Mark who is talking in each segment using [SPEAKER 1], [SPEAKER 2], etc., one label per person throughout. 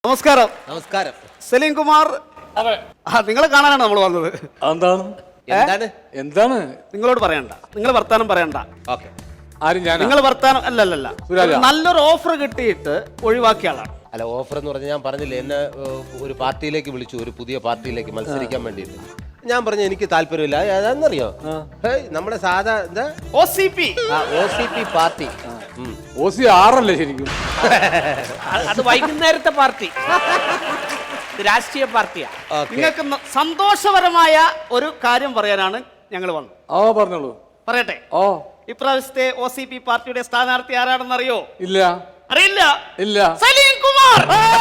[SPEAKER 1] നമസ്കാരം.
[SPEAKER 2] നമസ്കാരം.
[SPEAKER 1] സലീം കുമാർ, നിങ്ങളെ കാണാനാണ് നമ്മൾ വന്നത്.
[SPEAKER 3] എന്താണ്
[SPEAKER 1] നിങ്ങളോട് പറയണ്ട, നിങ്ങൾ വർത്താനം പറയണ്ട. നിങ്ങൾ വർത്താനം അല്ലല്ല, നല്ലൊരു ഓഫർ കിട്ടിയിട്ട് ഒഴിവാക്കിയ ആളാണ്.
[SPEAKER 2] അല്ല, ഓഫർ എന്ന് പറഞ്ഞാൽ ഞാൻ പറഞ്ഞില്ലേ, എന്നെ ഒരു പാർട്ടിയിലേക്ക് വിളിച്ചു, ഒരു പുതിയ പാർട്ടിയിലേക്ക് മത്സരിക്കാൻ വേണ്ടിയിട്ട്. ഞാൻ പറഞ്ഞു എനിക്ക് താല്പര്യമില്ല. അതെന്നറിയോ, നമ്മുടെ സാധാ എന്താ
[SPEAKER 1] OCP
[SPEAKER 2] പാർട്ടി.
[SPEAKER 3] OCR അല്ലേ ശരിക്കും?
[SPEAKER 4] അത് വൈകുന്നേരത്തെ പാർട്ടി, രാഷ്ട്രീയ പാർട്ടിയാ.
[SPEAKER 1] നിങ്ങൾക്ക് സന്തോഷപരമായ ഒരു കാര്യം പറയാനാണ് ഞങ്ങൾ വന്നത്.
[SPEAKER 3] പറഞ്ഞോളൂ.
[SPEAKER 1] പറയട്ടെ. ഇപ്രാവശ്യത്തെ OCP പാർട്ടിയുടെ സ്ഥാനാർത്ഥി ആരാണെന്ന് അറിയോ?
[SPEAKER 3] ഇല്ല.
[SPEAKER 1] അറിയില്ല?
[SPEAKER 3] ഇല്ല.
[SPEAKER 1] സലീം കുമാർ.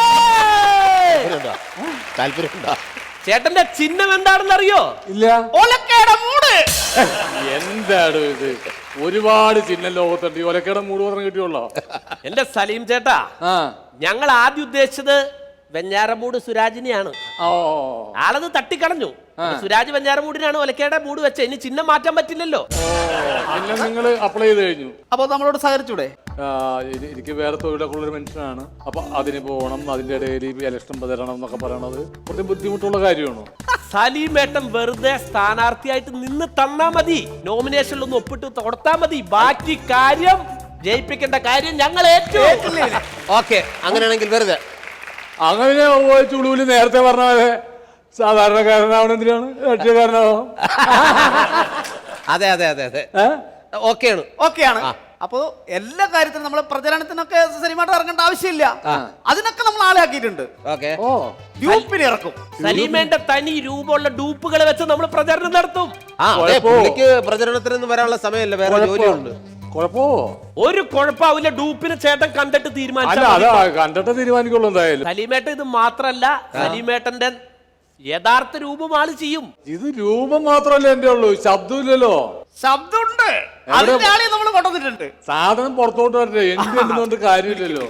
[SPEAKER 2] താല്പര്യമുണ്ടോ?
[SPEAKER 4] ചേട്ടന്റെ ചിഹ്നം എന്താണെന്ന് അറിയോ?
[SPEAKER 3] ഇല്ല.
[SPEAKER 1] ഒലക്കയുടെ മൂട്.
[SPEAKER 3] എന്താണ് ഇത്? ഒരുപാട് ചിഹ്നം ലോകത്തുണ്ട്. ഈ ഒലക്കയുടെ മൂട് മാത്രം കിട്ടിയുള്ളോ?
[SPEAKER 4] എന്റെ സലീം ചേട്ടാ, ഞങ്ങൾ ആദ്യം ഉദ്ദേശിച്ചത് വെഞ്ഞാറമൂട് സുരാജിനെയാണ്. ആളത് തട്ടിക്കളഞ്ഞു. സുരാജ് വെഞ്ഞാറമൂടിനാണ് ഒലക്കയുടെ മൂട് വെച്ചത്. ഇനി ചിഹ്നം മാറ്റാൻ പറ്റില്ലല്ലോ.
[SPEAKER 3] പിന്നെ നിങ്ങൾ അപ്ലൈ ചെയ്ത് കഴിഞ്ഞു.
[SPEAKER 1] അപ്പൊ നമ്മളോട് സഹകരിച്ചൂടെ?
[SPEAKER 3] എനിക്ക് വേറെ തൊഴിലൊക്കെ ഉള്ളൊരു മനുഷ്യനാണ്. അപ്പൊ അതിന് പോകണം, അതിന്റെ ഇടയിൽ ഇലക്ഷൻ തരണം എന്നൊക്കെ പറയണത് കുറച്ച് ബുദ്ധിമുട്ടുള്ള കാര്യമാണ്.
[SPEAKER 4] സലീമേട്ടൻ വെറുതെ സ്ഥാനാർത്ഥിയായിട്ട് നിന്ന് തന്നാ മതി, നോമിനേഷനിലൊന്ന് ഒപ്പിട്ട് കൊടുത്താ മതി. ബാക്കി കാര്യം ജയിപ്പിക്കേണ്ട കാര്യം ഞങ്ങൾ ഏറ്റു.
[SPEAKER 2] ഓക്കെ, അങ്ങനെയാണെങ്കിൽ വെറുതെ
[SPEAKER 3] അങ്ങനെ ചുളുവില് നേരത്തെ പറഞ്ഞ പോലെ സാധാരണക്കാരനാവണം. എന്തിനാണ് രാഷ്ട്രീയക്കാരനാവാം?
[SPEAKER 2] അതെ അതെ അതെ അതെ, ഓക്കെയാണ്.
[SPEAKER 1] അപ്പോ എല്ലാ കാര്യത്തിനും നമ്മളെ പ്രചരണത്തിനൊക്കെ സലീമായിട്ട് ഇറങ്ങേണ്ട ആവശ്യമില്ല. അതിനൊക്കെ നമ്മൾ ആളെ ആക്കിയിട്ടുണ്ട്. ഗ്രൂപ്പിന് ഇറക്കും.
[SPEAKER 4] സലീമേന്റെ തനി രൂപമുള്ള ഡൂപ്പുകൾ വെച്ച് നമ്മൾ പ്രചരണം നടത്തും.
[SPEAKER 2] പ്രചരണത്തിനൊന്നും വരാനുള്ള സമയമല്ല, വേറെ ജോലിയുണ്ട്.
[SPEAKER 4] ഒരു കുഴപ്പമില്ല. ഡൂപ്പിന് ചേട്ടൻ കണ്ടിട്ട്
[SPEAKER 3] കണ്ടിട്ട് തീരുമാനിക്കുള്ളൂ. എന്തായാലും
[SPEAKER 4] സലീമേട്ടൻ ഇത് മാത്രല്ല, സലീമേട്ടന്റെ യഥാർത്ഥ രൂപം ആള് ചെയ്യും.
[SPEAKER 3] ഇത് രൂപം മാത്രമല്ല എന്റെ ഉള്ളൂ, ശബ്ദമില്ലല്ലോ.
[SPEAKER 1] ശബ്ദമുണ്ട്, അതിന്റെ ആളെ നമ്മൾ കൊണ്ടുവന്നിട്ടുണ്ട്.
[SPEAKER 3] സാധനം പുറത്തോട്ട് വരട്ടെ, എനിക്ക് എന്തുകൊണ്ട് കാര്യമില്ലല്ലോ.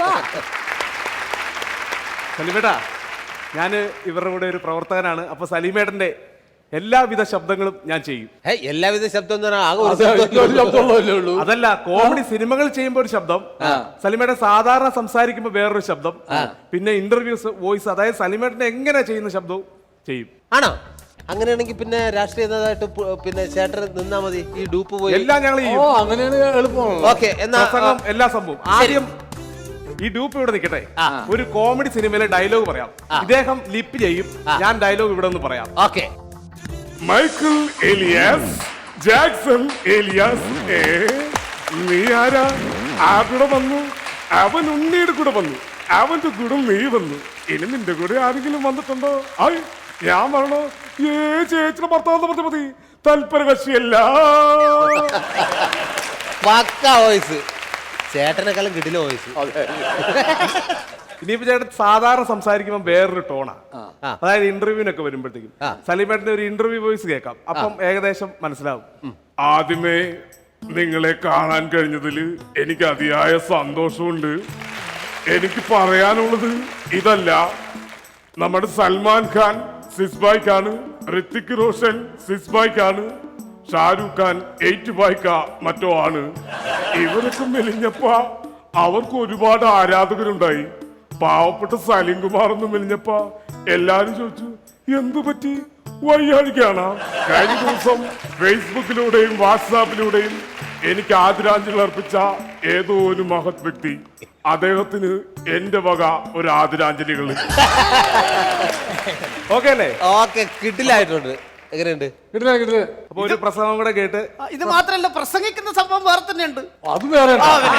[SPEAKER 5] സലീമേട്ടാ, ഞാൻ ഇവരുടെ കൂടെ ഒരു പ്രവർത്തകനാണ്. അപ്പൊ സലീമേട്ടന്റെ എല്ലാവിധ ശബ്ദങ്ങളും ഞാൻ ചെയ്യും.
[SPEAKER 2] എല്ലാവിധ ശബ്ദം
[SPEAKER 5] അതല്ല, കോമഡി സിനിമകൾ ചെയ്യുമ്പോ ഒരു ശബ്ദം, സലീമേട്ടൻ സാധാരണ സംസാരിക്കുമ്പോ വേറൊരു ശബ്ദം, പിന്നെ ഇന്റർവ്യൂസ് വോയിസ്, അതായത് സലീമേട്ടനെ എങ്ങനെ ചെയ്യുന്ന ശബ്ദവും ചെയ്യും.
[SPEAKER 2] ആണോ? അങ്ങനെയാണെങ്കിൽ പിന്നെ രാഷ്ട്രീയ നേതാവായിട്ട് പിന്നെ ചേട്ടൻ നിന്നാ മതി. ഈ ഡൂപ്പ് പോയി
[SPEAKER 5] എല്ലാം ഞങ്ങൾ ചെയ്യും.
[SPEAKER 3] അങ്ങനെയാണ് എളുപ്പമാണ്.
[SPEAKER 2] ഓക്കെ, എന്നാ
[SPEAKER 5] എല്ലാ സംഭവം ആദ്യം ഈ ഡൂപ്പ് ഇവിടെ നിൽക്കട്ടെ. ഒരു കോമഡി സിനിമയിലെ ഡയലോഗ് പറയാം, ഇദ്ദേഹം ലിപ്പ് ചെയ്യും, ഞാൻ ഡയലോഗ് ഇവിടെ നിന്ന് പറയാം.
[SPEAKER 2] Okay.
[SPEAKER 6] Michael Elias, Jackson Elias, നീ ആരാ? ആരുടെ വന്നു? അവൻ ഉണ്ണിയുടെ കൂടെ വന്നു, അവന്റെ കൂടെ നീ വന്നു. ഇനി നിന്റെ കൂടെ ആരെങ്കിലും വന്നിട്ടുണ്ടോ? ഞാൻ പറഞ്ഞോ, ചേച്ചിയുടെ ഭർത്താവ് പറഞ്ഞ മതി, തൽപര കക്ഷിയല്ല.
[SPEAKER 2] വോയിസ് ചേട്ടനെക്കാളും കിട്ടില്ല വോയിസ്.
[SPEAKER 5] ഇനിയിപ്പോ ചേട്ടൻ സാധാരണ സംസാരിക്കുമ്പോൾ വേറൊരു ടോണാ. അതായത് ഇന്റർവ്യൂവിനൊക്കെ വരുമ്പോഴത്തേക്കും സലീമേട്ടന്റെ ഒരു ഇന്റർവ്യൂ വോയിസ് കേൾക്കാം, അപ്പം ഏകദേശം മനസ്സിലാവും.
[SPEAKER 6] ആദ്യമേ നിങ്ങളെ കാണാൻ കഴിഞ്ഞതിൽ എനിക്ക് അതിയായ സന്തോഷമുണ്ട്. എനിക്ക് പറയാനുള്ളത് ഇതല്ല, നമ്മുടെ സൽമാൻ ഖാൻ സിസ്ബായ്ക്കാണ്, ഋത്തിക് റോഷൻ സിസ്ബായ്ക്കാണ്, ഷാരൂഖ് ഖാൻ 8 ബായ്ക്ക മറ്റോ ആണ്. ഇവരൊക്കെ മെലിഞ്ഞപ്പോ അവർക്ക് ഒരുപാട് ആരാധകരുണ്ടായി. പാവപ്പെട്ട സലീം കുമാർ ഒന്ന് മെലിഞ്ഞപ്പോ എല്ലാരും ചോദിച്ചു, എന്തു പറ്റി, വയ്യാഴിക്കാണ്? കഴിഞ്ഞ ദിവസം ഫേസ്ബുക്കിലൂടെയും വാട്സാപ്പിലൂടെയും എനിക്ക് ആദരാഞ്ജലി അർപ്പിച്ച ഏതോ ഒരു മഹത് വ്യക്തി, അദ്ദേഹത്തിന് എന്റെ വക ഒരു ആദരാഞ്ജലികൾ.
[SPEAKER 5] ഓക്കെ അല്ലേ?
[SPEAKER 2] ഓക്കെ, കിട്ടില്ലായിട്ടുണ്ട്. എങ്ങനെയുണ്ട്?
[SPEAKER 5] അപ്പൊ ഒരു പ്രസംഗം കൂടെ കേട്ട്.
[SPEAKER 1] ഇത് മാത്രല്ല, പ്രസംഗിക്കുന്ന സംഭവം വേറെ തന്നെ ഉണ്ട്.
[SPEAKER 3] അത് വേറെ.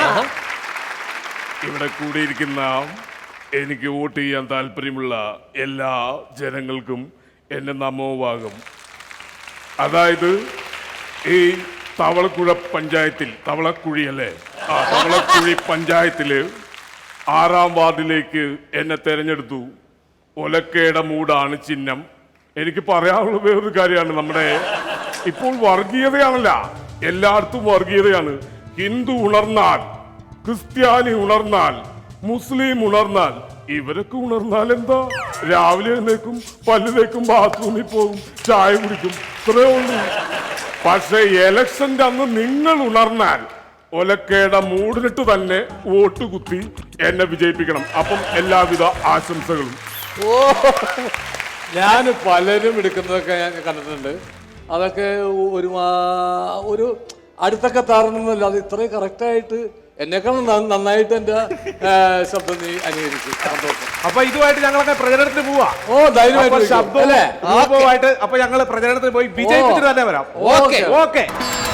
[SPEAKER 6] ഇവിടെ കൂടിയിരിക്കുന്ന എനിക്ക് വോട്ട് ചെയ്യാൻ താല്പര്യമുള്ള എല്ലാ ജനങ്ങൾക്കും എന്റെ നമോഭാഗം. അതായത് ഈ തവളക്കുഴ പഞ്ചായത്തിൽ, തവളക്കുഴി അല്ലേ, തവളക്കുഴി പഞ്ചായത്തില് 6-ാം വാർഡിലേക്ക് എന്നെ തെരഞ്ഞെടുത്തു. ഒലക്കയുടെ മൂടാണ് ചിഹ്നം. എനിക്ക് പറയാനുള്ള വേറൊരു കാര്യമാണ്, നമ്മുടെ ഇപ്പോൾ വർഗീയതയാണല്ല, എല്ലായിടത്തും വർഗീയതയാണ്. ഹിന്ദു ഉണർന്നാൽ, ക്രിസ്ത്യാനി ഉണർന്നാൽ, മുസ്ലിം ഉണർന്നാൽ, ഇവരൊക്കെ ഉണർന്നാൽ എന്താ, രാവിലെ എഴുന്നേക്കും, പല്ലിലേക്കും, ബാത്റൂമിൽ പോകും, ചായ കുടിക്കും, ഇത്രേ ഉള്ളൂ. പക്ഷെ എലക്ഷന്റെ അന്ന് നിങ്ങൾ ഉണർന്നാൽ ഒലക്കയുടെ മൂടിനിട്ട് തന്നെ വോട്ട് കുത്തി എന്നെ വിജയിപ്പിക്കണം. അപ്പം എല്ലാവിധ ആശംസകളും.
[SPEAKER 3] ഞാൻ പലരും എടുക്കുന്നതൊക്കെ ഞാൻ കണ്ടിട്ടുണ്ട്. അതൊക്കെ ഒരു അടുത്തൊക്കെ താറണമെന്നല്ല, അത് ഇത്രയും കറക്റ്റായിട്ട് എന്നെക്കാളും നന്നായിട്ട് എൻ്റെ ശബ്ദം നീ അനുകരിച്ചു. സന്തോഷം.
[SPEAKER 5] അപ്പൊ ഇതുമായിട്ട് ഞങ്ങളൊക്കെ പ്രചരണത്തിന് പോവാ.
[SPEAKER 3] ഓ ധൈര്യമായിട്ട്
[SPEAKER 5] ശബ്ദവും രൂപവുമായിട്ട് അപ്പൊ ഞങ്ങള് പ്രചരണത്തിന് പോയി വിജയിപ്പിച്ചിട്ട് തന്നെ വരാം.
[SPEAKER 3] Okay
[SPEAKER 5] okay.